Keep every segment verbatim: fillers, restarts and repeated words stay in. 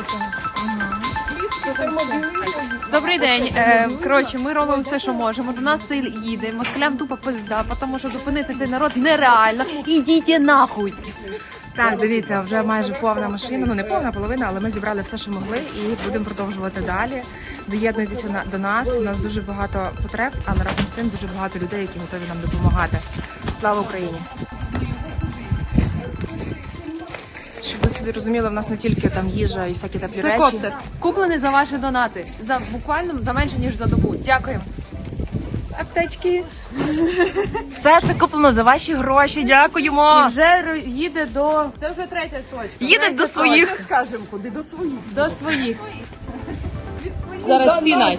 Добрий день. Е, коротше, ми робимо все, що можемо. До нас сил їде. Москалям тупо пизда, тому що зупинити цей народ нереально. Ідіть нахуй. Так, дивіться, вже майже повна машина, ну не повна половина, але ми зібрали все, що могли, і будемо продовжувати далі. Доєднуйтеся на- до нас. У нас дуже багато потреб, але разом з тим дуже багато людей, які готові нам допомагати. Слава Україні! Щоб ви собі розуміли, в нас не тільки там їжа і всякі теплі Це речі. коптер. Куплений за ваші донати. За буквально за менше, ніж за добу. Дякуємо. Аптечки. Все це куплено за ваші гроші. Дякуємо! І вже їде до... Це вже третя точка. Їде Третя до своїх. точка. Скажемо, куди до своїх. До своїх. Зараз всі наші.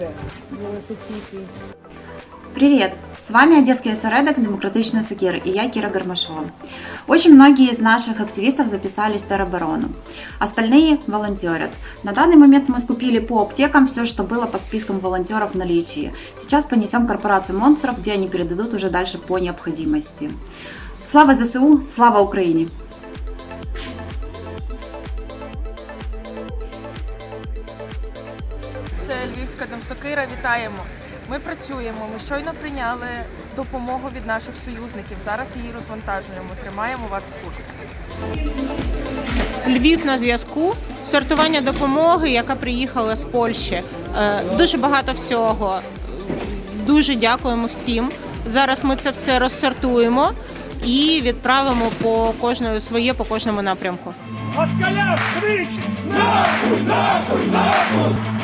Привет! С вами Одесский осередок «Демократичный Сокир» и я, Кира Гармашова. Очень многие из наших активистов записались в тероборону. Остальные волонтерят. На данный момент мы скупили по аптекам все, что было по спискам волонтеров в наличии. Сейчас понесем корпорацию монстров, где они передадут уже дальше по необходимости. Слава ЗСУ! Слава Украине! Це Львівська Демсокира, вітаємо. Ми працюємо, ми щойно прийняли допомогу від наших союзників. Зараз її розвантажуємо, тримаємо вас в курсі. Львів на зв'язку, сортування допомоги, яка приїхала з Польщі. Е, Дуже багато всього. Дуже дякуємо всім. Зараз ми це все розсортуємо і відправимо по кожному своє по кожному напрямку. Москалям крич! Нахуй, нахуй, нахуй!